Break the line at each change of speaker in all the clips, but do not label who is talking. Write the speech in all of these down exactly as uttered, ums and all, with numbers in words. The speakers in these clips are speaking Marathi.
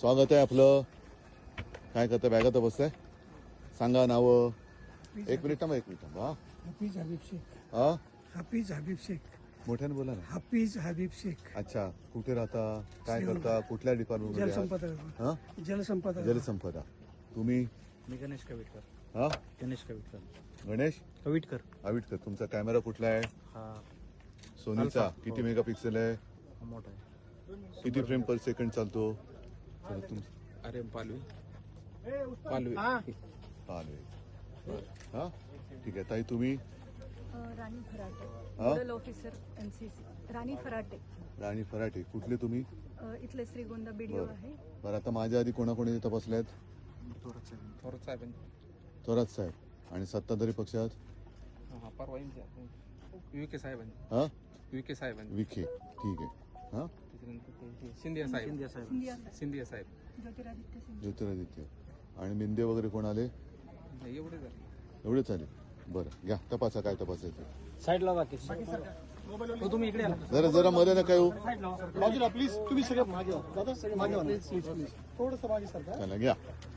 स्वागत आहे आपलं. काय करतं? बॅगात बसताय? सांगा नावं. एक मिनिट थांबा, एक मिनिट थांबा.
हाफिज हबीब शेख.
हा,
हाफिज हबीब शेख.
मोठ्याने बोला ना.
हाफिज हबीब शेख.
अच्छा, कुठे राहता? काय करता? कुठल्या डिपार्टमेंट मध्ये?
जलसंपदा.
हा,
जलसंपदा.
जलसंपदा. तुम्ही?
मी गणेश कविटकर.
हा,
गणेश कविटकर.
गणेश
कविटकर.
आविटकर. तुमचा कॅमेरा कुठला आहे?
हा
सोनीचा.
अल्फा.
किती
हो.
मेगापिक्सेल आहे?
हा मोठा आहे.
किती फ्रेम पर सेकंड चालतो? चला, तुम
अरे पालवी पालवी
चालू आहे. हा, ठीक आहे ताई. तुम्ही?
राणी फराटे,
हा?
Nodal officer NCC. Rani Farate.
Rani Farate. कुठले तुम्ही?
अ, इथले श्रीगोंदा बीडीओ
बरं.
आहे.
बरं, आता माझ्या आधी कोणाकोणी तपासले आहेत?
थोरात साहेब. थोरात साहेब.
थोरात साहेब. आणि सत्ताधारी पक्षात?
हा परवा विखे साहेबांनी.
हा,
विखे साहेबांनी.
विखे. ठीक आहे. हा,
त्याच्यानंतर ते सिंधिया साहेब. सिंधिया साहेब.
सिंधिया साहेब.
सिंधिया साहेब.
ज्योतिरादित्य सिंधिया.
ज्योतिरादित्य. आणि मिंदे वगैरे कोण आले?
नाही, एवढे झाले.
एवढेच आले. बरं, घ्या तपासा काय तपासायचं.
साईडला बाकी तुम्ही इकडे आला.
जरा जरा मध्ये नका येऊ.
बाजूला प्लीज. तुम्ही सगळे मागे व्हा. दादा सगळे मागे व्हा. Please please please. थोडंसं मागे सरका.
चला घ्या.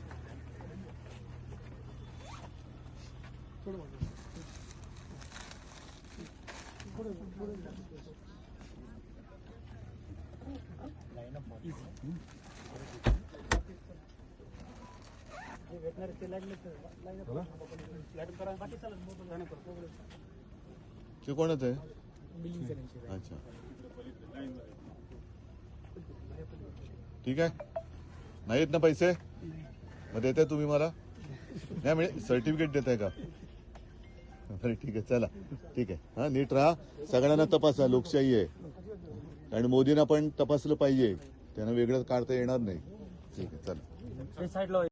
थोडं मागे. थोडं थोडं.
ते कोणच आहे? अच्छा, ठीक आहे. नाहीत ना पैसे? मग देताय तुम्ही मला? नाही म्हणजे सर्टिफिकेट देताय का? बरं, ठीक आहे. चला, ठीक आहे. हा, नीट राहा. सगळ्यांना तपासा. लोकशाही आहे. आणि मोदींना पण तपासलं पाहिजे. त्यांना वेगळं काढता येणार नाही. ठीक आहे, चला.
साईडला